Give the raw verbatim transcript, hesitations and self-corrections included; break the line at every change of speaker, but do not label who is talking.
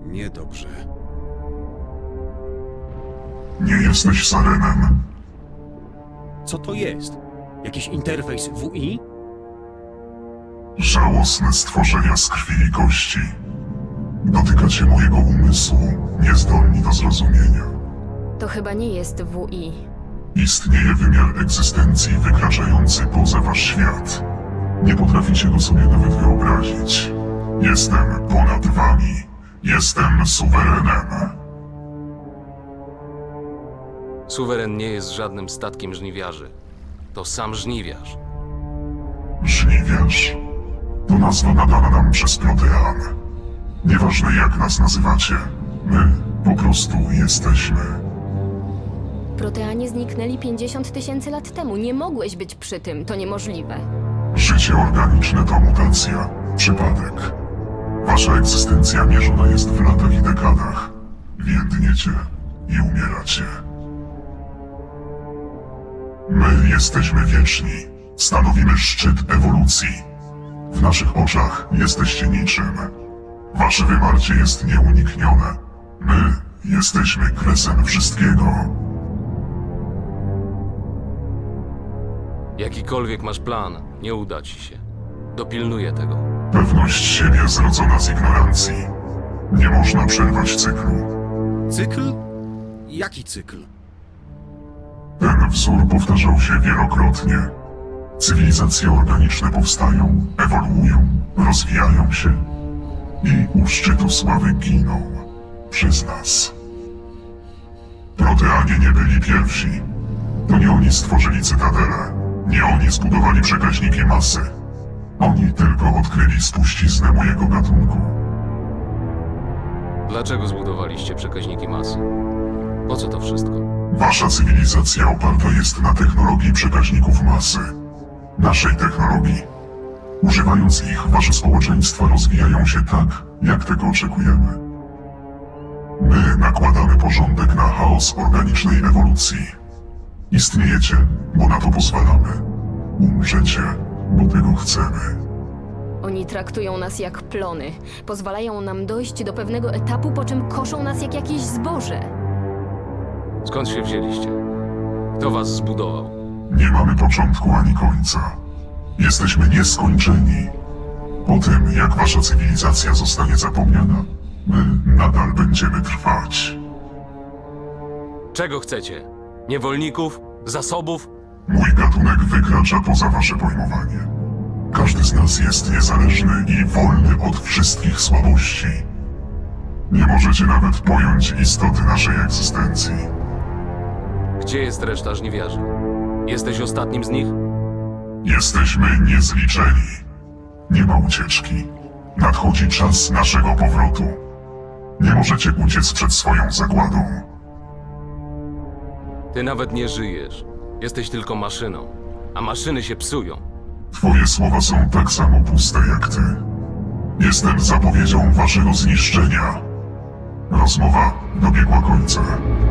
Niedobrze.
Nie jesteś Sarenem.
Co to jest? Jakiś interfejs W I?
Żałosne stworzenia z krwi i kości. Dotykacie mojego umysłu, niezdolni do zrozumienia.
To chyba nie jest W I.
Istnieje wymiar egzystencji wykraczający poza wasz świat. Nie potraficie go sobie nawet wyobrazić. Jestem ponad wami. Jestem suwerenem.
Suweren nie jest żadnym statkiem żniwiarzy. To sam żniwiarz.
Żniwiarz. To nazwa nadana nam przez Protean. Nieważne jak nas nazywacie, my po prostu jesteśmy.
Proteanie zniknęli pięćdziesiąt tysięcy lat temu. Nie mogłeś być przy tym. To niemożliwe.
Życie organiczne to mutacja, przypadek. Wasza egzystencja mierzona jest w latach i dekadach. Więdniecie i umieracie. My jesteśmy wieczni. Stanowimy szczyt ewolucji. W naszych oczach jesteście niczym. Wasze wymarcie jest nieuniknione. My jesteśmy kresem wszystkiego.
Jakikolwiek masz plan, nie uda ci się. Dopilnuję tego.
Pewność siebie zrodzona z ignorancji. Nie można przerwać cyklu.
Cykl? Jaki cykl?
Ten wzór powtarzał się wielokrotnie. Cywilizacje organiczne powstają, ewoluują, rozwijają się i u szczytu sławy giną przez nas. Proteanie nie byli pierwsi. To nie oni stworzyli cytadelę. Nie oni zbudowali przekaźniki masy. Oni tylko odkryli spuściznę mojego gatunku.
Dlaczego zbudowaliście przekaźniki masy? Po co to wszystko?
Wasza cywilizacja oparta jest na technologii przekaźników masy. Naszej technologii. Używając ich, wasze społeczeństwa rozwijają się tak, jak tego oczekujemy. My nakładamy porządek na chaos organicznej ewolucji. Istniejecie, bo na to pozwalamy. Umrzecie, bo tego chcemy.
Oni traktują nas jak plony. Pozwalają nam dojść do pewnego etapu, po czym koszą nas jak jakieś zboże.
Skąd się wzięliście? Kto was zbudował?
Nie mamy początku ani końca. Jesteśmy nieskończeni. Po tym, jak wasza cywilizacja zostanie zapomniana, my nadal będziemy trwać.
Czego chcecie? Niewolników? Zasobów?
Mój gatunek wykracza poza wasze pojmowanie. Każdy z nas jest niezależny i wolny od wszystkich słabości. Nie możecie nawet pojąć istoty naszej egzystencji.
Gdzie jest reszta żniwiarzy? Jesteś ostatnim z nich?
Jesteśmy niezliczeni. Nie ma ucieczki. Nadchodzi czas naszego powrotu. Nie możecie uciec przed swoją zagładą.
Ty nawet nie żyjesz. Jesteś tylko maszyną. A maszyny się psują.
Twoje słowa są tak samo puste jak ty. Jestem zapowiedzią waszego zniszczenia. Rozmowa dobiegła końca.